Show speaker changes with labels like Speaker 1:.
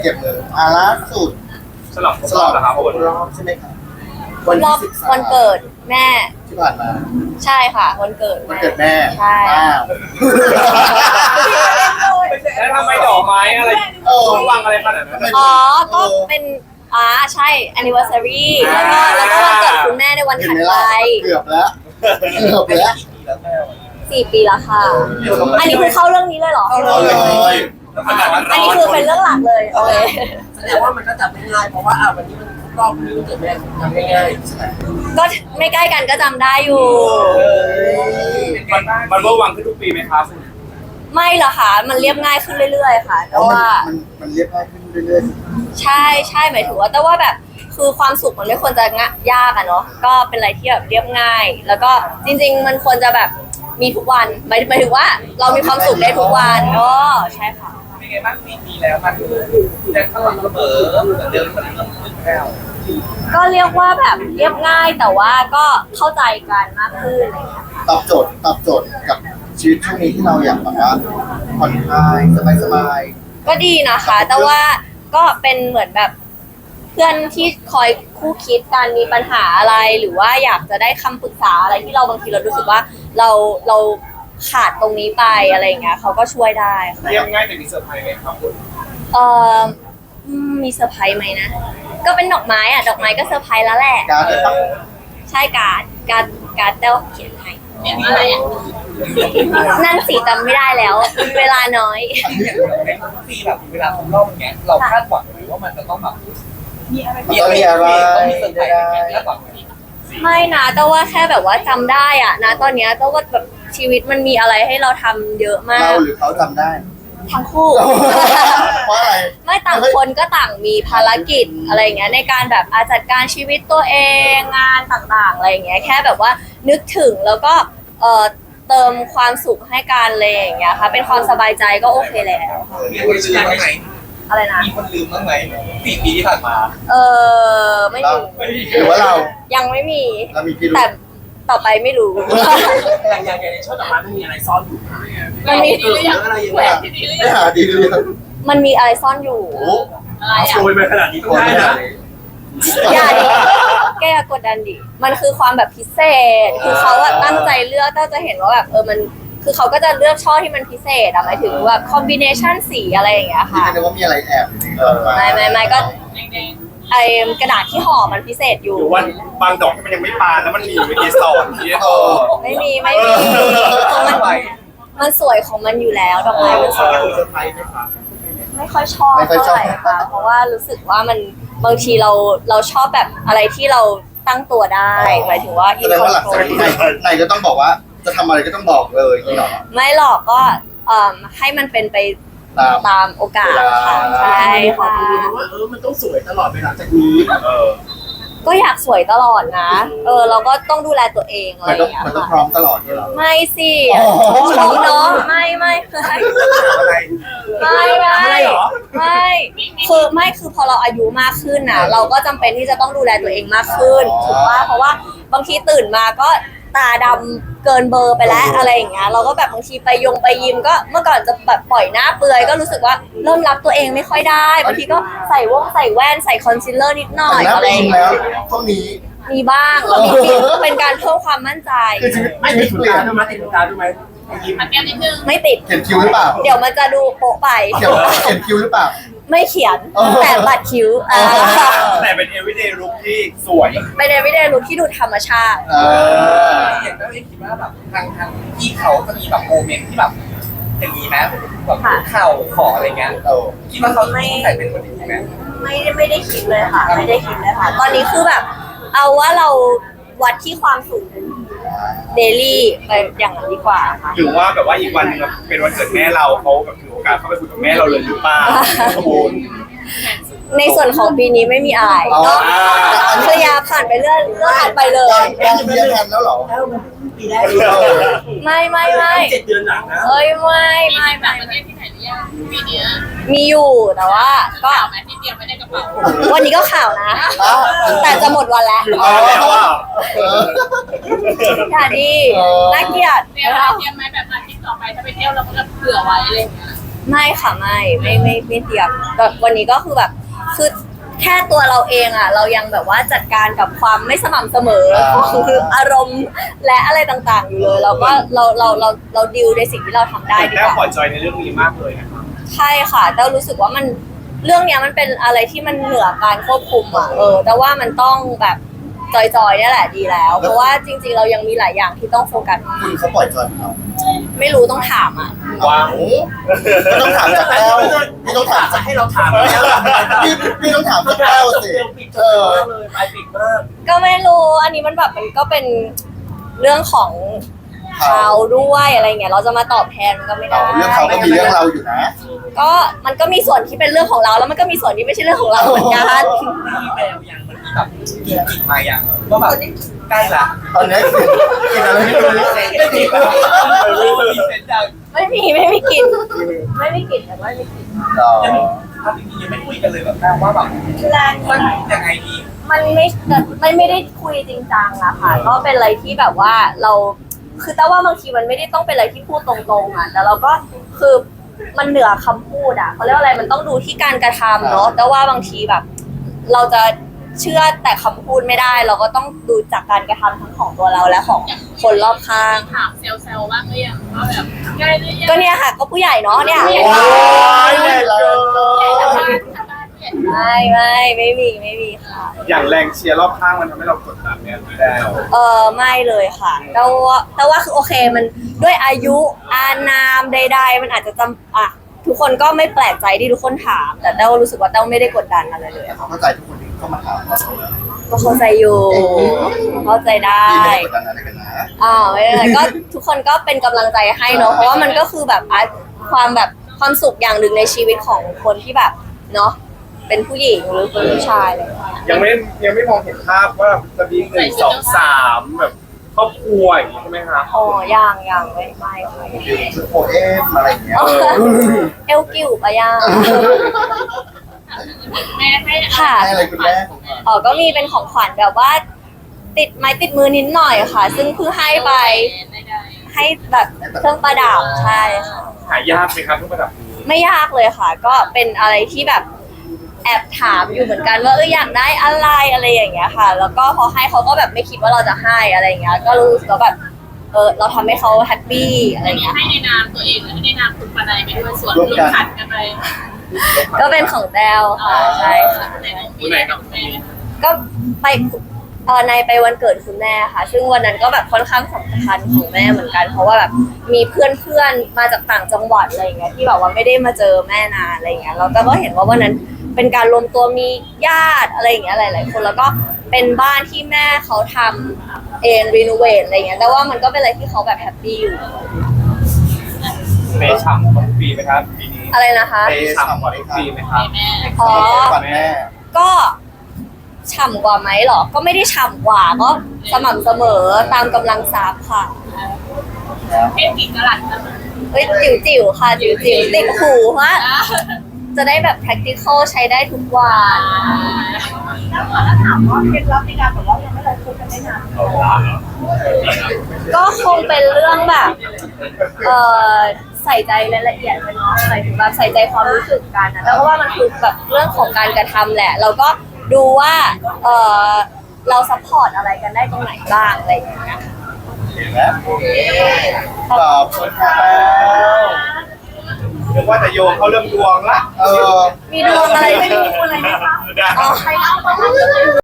Speaker 1: เก็บเลยล่าสุด
Speaker 2: สลับนะครับ
Speaker 1: รอบใช่ไหมครับ
Speaker 3: รอบวันเกิดแม่
Speaker 1: ที่ผ่านมา
Speaker 3: ใช่ค่ะวันเกิด
Speaker 1: วันเกิดแม่
Speaker 3: ใช่
Speaker 2: แล้วทำไมดอกไม้อะไรต้องวางอะไรขนาดนั้น
Speaker 3: อ๋อก็เป็นใช่ anniversary แล้วก็วันเกิดคุณแม่ในวันถัดไป
Speaker 1: เกือบแล้ว
Speaker 3: 4 ปีแล้วค่ะ อันนี้คือเข้าเรื่องนี้เลยเหรอ
Speaker 1: เอาเลย
Speaker 3: อันนี้คือเป็นเรื่องหลักเลยโอเค
Speaker 4: แสดงว่ามันก็จับไม่ง่ายเพราะว่าวันนี้มันรอบนี้มันเกิดแม่ทำง่ายๆใช่ไหม
Speaker 3: ก็ไม่ใกล้กันก็จำได้อยู่
Speaker 2: มันเบอร์วังขึ้นทุกปีไหมครับ
Speaker 3: ไม่หรอกค่ะ มันเรียบง่ายขึ้นเรื่อยๆค่ะ แต่ว่า
Speaker 1: มันเรียบง่ายขึ้นเรื่อย
Speaker 3: ใช่หมายถึงว่าแต่ว่าแบบคือความสุขมันไม่ควรจะยากอะเนาะก็เป็นอะไรที่แบบเรียบง่าย แล้วก็จริงๆมันควรจะแบบมีทุกวันหมายถึงว่าเรามีความสุขได้ทุกวันใช่ค่ะ
Speaker 2: เป็นไงบ้างปีแล้วมันยังสม่ำเสมอเหมือนเดิมมันเริ่มขึ้นแล้ว
Speaker 3: ก็เรียกว่าแบบเรียบง่ายแต่ว่าก็เข้าใจกันมากขึ้นอะไรอย่างเงี้ยค่ะ
Speaker 1: ๆตอบโจทย์กับชีวิตช่วงนี้ที่เราอยากแบบว่าผ่อนคลายสบาย
Speaker 3: ก็ดีนะคะ แต่ว่าก็เป็นเหมือนแบบเพื่อนที่คอยคู่คิดการมีปัญหาอะไรหรือว่าอยากจะได้คำปรึกษาอะไรที่เราบางทีเรารู้สึกว่าเราขาดตรงนี้ไปอะไรอย่างเงี้ยเขาก็ช่วยได้ค่ะ
Speaker 2: เรียบง่ายแต่มีเซอร์ไพรส์ไหมครับคุณ
Speaker 3: เอ่อมีเซอร์ไพรส์ไหมนะก็เป็นดอกไม้ดอกไม้ก็เซอร์ไพรส์แล้วแหละ
Speaker 1: ๆการได้ปะ
Speaker 3: ใช่การ์ดเต้าเขียนให้
Speaker 5: เห็นอะไรอ่ะ
Speaker 3: นั่นสิจำไม่ได้แล้วมีเวลาน้อย
Speaker 4: ในทุกปีแบบเวลาครบรอบอย่างเงี้ยเราคาดหวังไหมว่ามันจะต้องแบบมีอะไร
Speaker 1: มันต้องมีอะไร
Speaker 4: ต้องมีเซอร์ไพรส์ไหมคาดหวังไหม
Speaker 3: ไม่นะแต่ว่าแค่แบบว่าจำได้อะนะตอนเนี้ยแต่ว่าแบบชีวิตมันมีอะไรให้เราทำเยอะมา
Speaker 1: เรา
Speaker 3: ก
Speaker 1: หรือเขาทำได้
Speaker 3: ทั้งคู่
Speaker 1: เพราะอะไร
Speaker 3: ไม่ต่างคนก็ต่างมีภารกิจอะไรอย่างเงี้ยในการแบบจัดการชีวิตตัวเองงานต่างๆอะไรอย่างเงี้ยแค่แบบว่านึกถึงแล้วก็เติมความสุขให้กันเลยอย่างเงี้ยค่ะเป็นความสบายใจก็โอเคแล้วค่ะ
Speaker 4: มีคนลืมบ้างไหม
Speaker 3: อะไรนะ
Speaker 4: มีคนลืมบ้างไหม4 ปีที่ผ่านมา
Speaker 3: ไม่
Speaker 1: เรา
Speaker 3: มี
Speaker 1: หรือว่าเรา
Speaker 3: ยังไม่มี
Speaker 1: เรามีพิรุธ
Speaker 3: แต่ต่อไปไม่รู้
Speaker 4: อย่างในช่อดอกไม้มันมีอะไรซ่อนอยู่
Speaker 3: มันมี
Speaker 4: หรืออะไรอย่าง
Speaker 1: ไม่
Speaker 4: เงี้ย
Speaker 1: หาไม่หาดีเลย
Speaker 3: มันมีอะไรซ่อนอยู่
Speaker 1: โอ้
Speaker 5: อะไรอ่ะ
Speaker 2: โชยไปขนาดนี้ต้องได้นะ
Speaker 3: อย่าดิแกอย่ากดดันดิ มันคือความแบบพิเศษ คือเขาอะตั้งใจเลือกตั้งใจเห็นว่าแบบมันคือเขาก็จะเลือกช่อที่มันพิเศษอะหมายถึงแบบคอมบิเนชันสีอะไรอย่างเงี้ย
Speaker 1: ที่
Speaker 3: ค่ะ
Speaker 1: ไม่ได้ว่ามีอะไรแอบอยู่ในกระเป๋า
Speaker 3: ไม่ก็
Speaker 5: แดง
Speaker 3: ไอกระดาษที่ห่อมันพิเศษอยู่
Speaker 2: หรือว่าบางดอกที่มันยังไม่บานแล้วมันมีเกสรที่
Speaker 3: ไม่มีมันสวยของมันอยู่แล้วดอกไม้มันสวย
Speaker 2: เซอร์ไพรส์ไหมครับ
Speaker 3: ไม่ค่อยชอบเท่าไหร่ค่ะ เพราะว่ารู้สึกว่ามันบางทีเราชอบแบบอะไรที่เราตั้งตัวได้หมายถึงว่า
Speaker 1: แสดงว่าหลังจากนี้ไหนก็ต้องบอกว่าจะทำอะไรก็ต้องบอกเลยอย่างนี้หรอ
Speaker 3: ไม่หรอกก็ให้มันเป็นไปตามโอกาสค่ะใช่
Speaker 4: ความ
Speaker 3: ค่ะ
Speaker 4: รู้ว่ามันต้องสวยตลอดไปหลังจากนี้
Speaker 3: ก็อยากสวยตลอดนะเราก็ต้องดูแลตัวเองอะไร
Speaker 1: มัน
Speaker 3: อ
Speaker 1: ต้อง
Speaker 3: ย่างเงี้ย
Speaker 1: มันต้องพ
Speaker 3: ค่ะ
Speaker 1: ร้อมตลอดเลยหรอ
Speaker 3: ไม่สิ
Speaker 1: อ๋อ
Speaker 3: ชมเนาะไม่ไม่
Speaker 2: อะไร
Speaker 3: คือพอเราอายุมากขึ้นน่ะ เราก็จำเป็นที่จะต้องดูแลตัวเองมากขึ้นถูกป่ะเพราะว่าบางทีตื่นมาก็ตาดำเกินเบอร์ไปแล้วอะไรอย่างเงี้ยเราก็แบบบางทีไปยิมก็เมื่อก่อนจะแบบปล่อยหน้าเปลือยก็รู้สึกว่าเริ่มรับตัวเองไม่ค่อยได้บางทีก็ใส่แว่นใส่คอนซีลเลอร์นิดหน่อย
Speaker 1: แต่หน้า
Speaker 3: อะไร
Speaker 1: ไป
Speaker 3: อย่าง
Speaker 1: ยิง
Speaker 3: เงี้ย
Speaker 1: แล้วพวกนี้
Speaker 3: มีบ้างเรามีเป็นการเพิ่มความมั่นใจ
Speaker 1: คือชีวิต
Speaker 4: ไม่
Speaker 1: ไม่
Speaker 4: ติ
Speaker 1: ได้
Speaker 4: ด
Speaker 1: เปลี่ย
Speaker 4: ตาน ด้วยมั้ยติดตาด้วยไหมยิ้ม
Speaker 5: ๆมันแก้มนิดนึง
Speaker 3: ไม่ติด
Speaker 1: เขียนคิวหรือเปล่า
Speaker 3: เดี๋ยวมันจะดูโป๊ะไป
Speaker 1: เขียนคิวหรือเปล่า
Speaker 3: ไม่เขียน
Speaker 1: อ๋อ
Speaker 3: แต่บัตรคิ้ว
Speaker 2: แต่เป็น everyday look ที่สวย
Speaker 3: ไปเดวิดเดลุคที่ดูธรรมชาติ
Speaker 4: อย่างก็เลยคิดว่าแบบทางพี่เขาจะมีแบบโมเมนต์ที่แบบอย่างนี้นะแบบเข่าขออะไรเงี้ย
Speaker 1: โอ้
Speaker 4: คิดว่าเขาใส่เป็นคนอย่างนี้ไหม
Speaker 3: ไม่ได้คิดเลยค่ะ ไม่ได้คิดเลยค่ะ ตอนนี้คือแบบ เอาว่าเราวัดที่ความสูงเดลี่ไปอย่างนั้นดีกว่าค่ะ
Speaker 2: หรือว่าแบบว่าอีกวันหนึงเป็นวันเกิดแม่เราเขาแบบถือโอกาสเข้าไปคุยกับแม่เราเลยหรือเปล่าคุณ
Speaker 3: ในส่วนของปีนี้ไม่มีอะไรก็เคลียร์ผ่านไปเรื่อยผ่านไปเลย
Speaker 1: ยังเรียนทันแล้วเหรอ
Speaker 4: แล้วมันปีแรก
Speaker 3: ไม่
Speaker 4: 7 เดือนหลังนะ
Speaker 3: เอ้ยไม่
Speaker 5: มีที่ต่างประเทศที่ไหนหรือยังปีเนี้ย
Speaker 3: มีอยู่แต่ว่าก็
Speaker 5: ข่าวไหมที่เตรียมไว้ในกระเป๋า
Speaker 3: วันนี้ก็ข่าวนะ แต่จะหมดวันแล้ว
Speaker 2: เอาแล้วอ่ะ
Speaker 3: อย่าดีน่าเกลียด
Speaker 5: เตรียมไหมแบบอาทิตย์ต่อไปถ้าไปเที่ยวเราก็จะเผื่อไว้อะไรอย่างเงี้ย
Speaker 3: ไม่ค่ะไม่เตรียมแบบวันนี้ก็คือแบบคือแค่ตัวเราเองอ่ะเรายังแบบว่าจัดการกับความไม่สม่ำเสมอของอารมณ์และอะไรต่างๆอยู่เลยเราก็เราดิวในสิ่งที่เราทำได้ดี
Speaker 2: แต้
Speaker 3: ก
Speaker 2: วขอ
Speaker 3: ว่า
Speaker 2: จอยในเรื่องนี้มากเลยนะครับ
Speaker 3: ใช่ค่ะแต่รู้สึกว่ามันเรื่องเนี้ยมันเป็นอะไรที่มันเหนือการควบคุมอ่ะแต่ว่ามันต้องแบบจอยๆเนี่ยแหละดีแล้ว เพราะว่าจริงๆเรายังมีหลายอย่างที่ต้องโฟกัส
Speaker 1: คุณเขาปล่อยจอยเรา
Speaker 3: ไม่รู้ต้องถามอ่ะ
Speaker 2: ว้าว
Speaker 1: ไม่ต้องถามจากแก้วไม่ต้องถามจาก
Speaker 4: ให้เราถามแล้ว
Speaker 1: พี่ต้องถามจากแก้วสิ
Speaker 4: ปิดจอยมากเลยไปปิดมาก
Speaker 3: ก็ไม่รู้อันนี้มันแบบมันก็เป็นเรื่องของเขาด้วยอะไรเงี้ยเราจะมาตอบแทนมันก็ไม่ได้
Speaker 1: เรื่องเขาก็มีเรื่องเราอยู่นะ
Speaker 3: ก็มันก็มีส่วนที่เป็นเรื่องของเราแล้วมันก็มีส่วนที่ไม่ใช่เรื่องของเราเหมือนกัน
Speaker 4: มีแววยังมันมีแบบกินจิตมายังว่าแบบใกล้ละ
Speaker 1: ตอนนี้กินอะไรไม่รู้
Speaker 4: ไม่จิตแล้วมีเซนจัง
Speaker 3: ไม่มีกลิ่นไม่มีกลิ่นแต่ว่าไม่มีกลิ่น
Speaker 4: ยังถ้าจริงๆยังไม่คุยกันเลยแบบว่าแบบ
Speaker 3: แรง
Speaker 4: มันยังไงดี
Speaker 3: มันไม่ได้คุยจริงจังอะค่ะก็เป็นอะไรที่แบบว่าเราคือแต่ว่าบางทีมันไม่ได้ต้องเป็นอะไรที่พูดตรงๆอะแต่เราก็คือมันเหนือคำพูดอะเขาเรียกว่าอะไรมันต้องดูที่การกระทำเนาะแต่ว่าบางทีแบบ เราจะเชื่อแต่คำพูดไม่ได้ เราก็ต้องดูจากการกระทำทั้งของตัวเราและของคนรอบข้าง
Speaker 5: ถามเซลบ้างหรือยังว่าแบบใกล้หรือยัง
Speaker 3: ก็เนี่ยค่ะก็ผู้ใหญ่เนาะเนี่ย
Speaker 1: ว้ายใหญ่เลย
Speaker 5: ใหญ่ทำบ้านใหญ่
Speaker 3: ไม่มีค่ะ
Speaker 2: อย่างแรงเชียร์รอบข้างมันทำให้เรากดดันเนี่ยแต้ว
Speaker 3: ไม่เลยค่ะแต่ว่าคือโอเคมันด้วยอายุอานามใดๆมันอาจจะทุกคนก็ไม่แปลกใจที่ทุกคนถาม แต่แต้วรู้สึกว่าแต้วไม่ได้กดดันอะไรเลย
Speaker 1: เขาเข้าใจทุกคนที่เข้ามาถามเรา
Speaker 3: ก็เข้าใจอยู่เข้าใจได้
Speaker 1: พี่ไม่ได้กดดันอะไรกันนะ
Speaker 3: ไม่เป็นไรก็ทุกคนก็เป็นกำลังใจให้เนอะเพราะว่ามันก็คือแบบความสุขอย่างหนึ่งในชีวิตของคนที่แบบเนาะเป็นผู้หญิงหรือเป็นผู้ชายอะไรอย่างเงี้ย
Speaker 2: ยังไม่มองเห็นภาพว่าจะมี1 2 3แบบครอบครัวอย่างนี้ใช่ไหมคะ
Speaker 3: ยังไม่ค่ะยัง
Speaker 1: ชุดโพเอมอะไรอย่างเงี้ย
Speaker 3: เอลกิวปะย่าง
Speaker 5: แม่ให้
Speaker 3: ค่ะ
Speaker 1: ให้อะไรคุณแม่ผม
Speaker 3: ก็มีเป็นของขวัญแบบว่า ติดไม้ติดมือนิดหน่อยค่ะ ซึ่งเพิ่งให้ไป
Speaker 5: ได้
Speaker 3: ให้แบบเครื่องประดับใช่ค่ะ
Speaker 2: หายากไหมครับทุกระดับนี้
Speaker 3: ไม่ยากเลยค่ะ ก็เป็นอะไรที่แบบแอบถามอยู่เหมือนกันว่าอยากได้อะไรอย่างเงี้ยค่ะ แล้วก็พอให้เขาก็แบบไม่คิดว่าเราจะให้อะไรอย่างเงี้ย ก็รู้สึกว่าแบบเราทำให้เขาแฮปปี้อะไรอย่างเงี้ย
Speaker 5: ให้ในนามตัวเองและให้ในนามคุณปนายไปด้วยส่วนร่วมขันกันไป
Speaker 3: ก็เป็นของแต้วค่ะใช่ค่ะ
Speaker 5: ไหนกับแม่
Speaker 3: ก็ไปในไปวันเกิดคุณแม่ค่ะ ซึ่งวันนั้นก็แบบค่อนข้างสำคัญของแม่เหมือนกัน เพราะว่าแบบมีเพื่อนมาจากต่างจังหวัดอะไรอย่างเงี้ยที่แบบว่าไม่ได้มาเจอแม่นานอะไรอย่างเงี้ยเราก็เห็นว่าวันนั้นเป็นการรวมตัวมีญาติอะไรอย่างเงี้ยหลายๆคนแล้วก็เป็นบ้านที่แม่เขาทำเองรีโนเวทอะไรอย่างเงี้ยแต่ว่ามันก็เป็นอะไรที่เขาแบบแฮปปี้อยู่
Speaker 2: เปย์ฉ่ำของปีไหมครับปีนี้
Speaker 3: อะไรนะคะ
Speaker 2: เปย์ฉ่ำกว่าทุกปีไหมครับ
Speaker 5: แม่
Speaker 3: อ๋อ
Speaker 1: ฝันแม่
Speaker 3: ก็ฉ่ำกว่าไหมเหรอก็ไม่ได้ฉ่ำกว่าก็สม่ำเสมอตามกำลังทรัพย์ค่ะ
Speaker 5: เพศกี่กะลัดนะ
Speaker 3: เฮ้ยจิ๋วๆค่ะจิ๋วๆติดหูฮะจะได้แบบ practical ใช้ได้ทุกวัน
Speaker 5: แล้วถามว่าเคล็ดลับในการแบบว่ายังไม่ได้คุยกันได้นาน
Speaker 3: ก็คงเป็นเรื่องแบบใส่ใจรายละเอียดกันเนาะหมายถึงแบบใส่ใจความรู้สึกกันนะแล้วก็ว่ามันคือแบบเรื่องของการกระทำแหละ เราก็ดูว่าเราซัพพอร์ตอะไรกันได้ตรงไหนบ้างอะไรอย่างเงี้ย
Speaker 1: เห็นไหมขอบคุณค่ะ
Speaker 2: เรียกว่าจะโยงเข้าเรื่องดวงละ
Speaker 3: มีดวงอะไรไม่มีดวงอะไรไหมคะ
Speaker 2: ได้
Speaker 3: อ๋อใครเล่าบ้าง